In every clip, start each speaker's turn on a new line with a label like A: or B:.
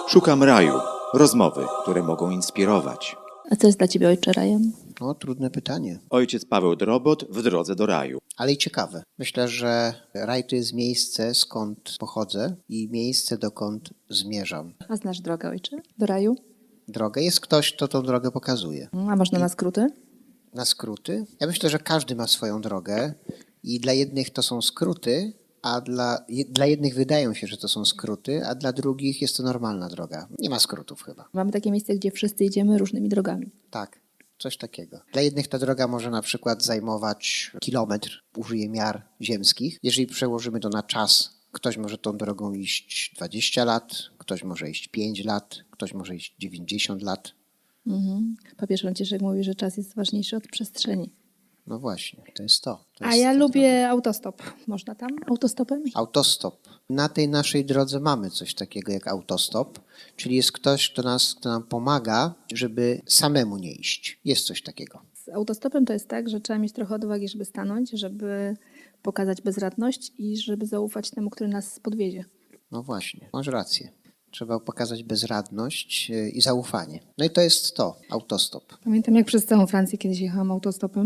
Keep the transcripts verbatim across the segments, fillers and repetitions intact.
A: Szukam raju. Rozmowy, które mogą inspirować.
B: A co jest dla ciebie, ojcze, rajem?
C: No, trudne pytanie,
A: Ojciec Paweł Drobot w drodze do raju.
C: ale i ciekawe. Myślę, że raj to jest miejsce, skąd pochodzę i miejsce, dokąd zmierzam.
B: A znasz drogę, ojcze, do raju?
C: Drogę jest ktoś, kto tą drogę pokazuje.
B: A można na skróty?
C: Na skróty? Ja myślę, że każdy ma swoją drogę i dla jednych to są skróty, a dla, je, dla jednych wydają się, że to są skróty, a dla drugich jest to normalna droga. Nie ma skrótów chyba.
B: Mamy takie miejsce, gdzie wszyscy idziemy różnymi drogami.
C: Tak, coś takiego. Dla jednych ta droga może na przykład zajmować kilometr, użyję miar ziemskich. Jeżeli przełożymy to na czas, ktoś może tą drogą iść dwadzieścia lat, ktoś może iść pięć lat, ktoś może iść dziewięćdziesiąt lat.
B: Mhm. Papież Franciszek mówi, że czas jest ważniejszy od przestrzeni.
C: No właśnie, to jest to. to
B: A
C: jest
B: ja
C: ta
B: lubię
C: droga.
B: autostop. Można tam autostopem?
C: Autostop. Na tej naszej drodze mamy coś takiego jak autostop, czyli jest ktoś, kto, nas, kto nam pomaga, żeby samemu nie iść. Jest coś takiego.
B: Z autostopem to jest tak, że trzeba mieć trochę odwagi, żeby stanąć, żeby pokazać bezradność i żeby zaufać temu, który nas podwiezie.
C: No właśnie, masz rację. Trzeba pokazać bezradność yy, i zaufanie. No i to jest to, autostop.
B: Pamiętam, jak przez całą Francję kiedyś jechałam autostopem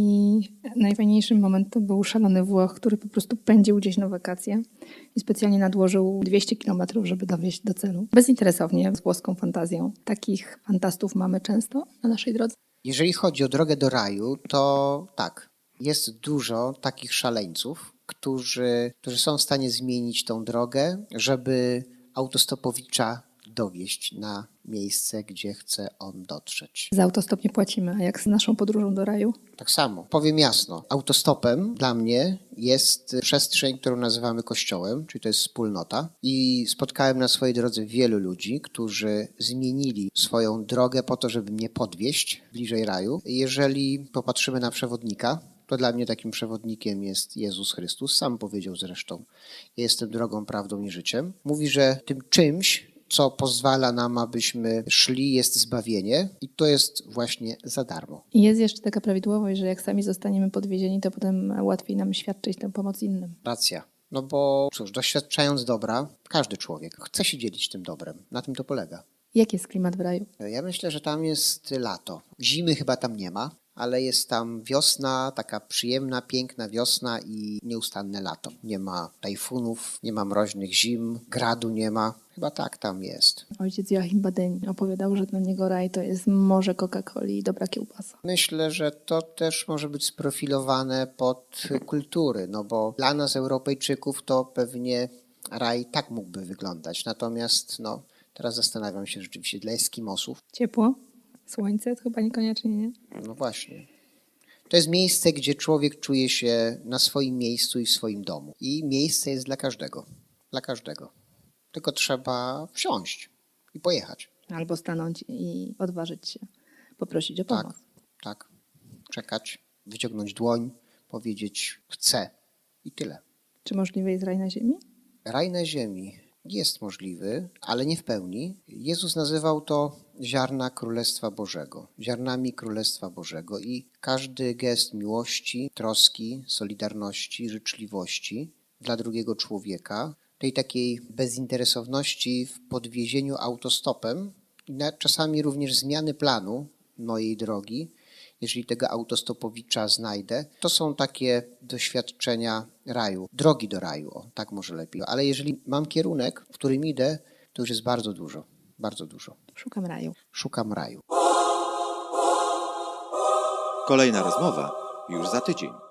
B: i najfajniejszy moment to był szalony Włoch, który po prostu pędził gdzieś na wakacje i specjalnie nadłożył dwieście kilometrów, żeby dowieźć do celu. Bezinteresownie, z włoską fantazją. Takich fantastów mamy często na naszej drodze.
C: Jeżeli chodzi o drogę do raju, to tak, jest dużo takich szaleńców, którzy, którzy są w stanie zmienić tą drogę, żeby autostopowicza dowieść na miejsce, gdzie chce on dotrzeć.
B: Za autostop nie płacimy, a jak z naszą podróżą do raju?
C: Tak samo, powiem jasno, autostopem dla mnie jest przestrzeń, którą nazywamy kościołem, czyli to jest wspólnota. I spotkałem na swojej drodze wielu ludzi, którzy zmienili swoją drogę po to, żeby mnie podwieźć bliżej raju. Jeżeli popatrzymy na przewodnika, to dla mnie takim przewodnikiem jest Jezus Chrystus. Sam powiedział zresztą, ja jestem drogą, prawdą i życiem. Mówi, że tym czymś, co pozwala nam, abyśmy szli, jest zbawienie i to jest właśnie za darmo.
B: I jest jeszcze taka prawidłowość, że jak sami zostaniemy podwiezieni, to potem łatwiej nam świadczyć tę pomoc innym.
C: Racja. No bo cóż, doświadczając dobra, każdy człowiek chce się dzielić tym dobrem. Na tym to polega.
B: Jaki jest klimat w raju?
C: Ja myślę, że tam jest lato. Zimy chyba tam nie ma, ale jest tam wiosna, taka przyjemna, piękna wiosna i nieustanne lato. Nie ma tajfunów, nie ma mroźnych zim, gradu nie ma. Chyba tak tam jest.
B: Ojciec Joachim Badeń opowiadał, że dla niego raj to jest morze Coca-Coli i dobra kiełbasa.
C: Myślę, że to też może być sprofilowane pod kultury, no bo dla nas Europejczyków to pewnie raj tak mógłby wyglądać. Natomiast no, teraz zastanawiam się rzeczywiście dla Eskimosów.
B: Ciepło? Słońce? To chyba niekoniecznie, nie?
C: No właśnie. To jest miejsce, gdzie człowiek czuje się na swoim miejscu i w swoim domu. I miejsce jest dla każdego. Dla każdego. Tylko trzeba wsiąść i pojechać.
B: Albo stanąć i odważyć się, poprosić o pomoc.
C: Tak, tak. Czekać, wyciągnąć dłoń, powiedzieć chcę i tyle.
B: Czy możliwy jest raj na ziemi?
C: Raj na ziemi jest możliwy, ale nie w pełni. Jezus nazywał to ziarna Królestwa Bożego, ziarnami Królestwa Bożego i każdy gest miłości, troski, solidarności, życzliwości dla drugiego człowieka, tej takiej bezinteresowności w podwiezieniu autostopem i czasami również zmiany planu mojej drogi, jeżeli tego autostopowicza znajdę, to są takie doświadczenia raju, drogi do raju, o, tak może lepiej. Ale jeżeli mam kierunek, w którym idę, to już jest bardzo dużo, bardzo dużo.
B: Szukam raju.
C: Szukam raju.
A: Kolejna rozmowa już za tydzień.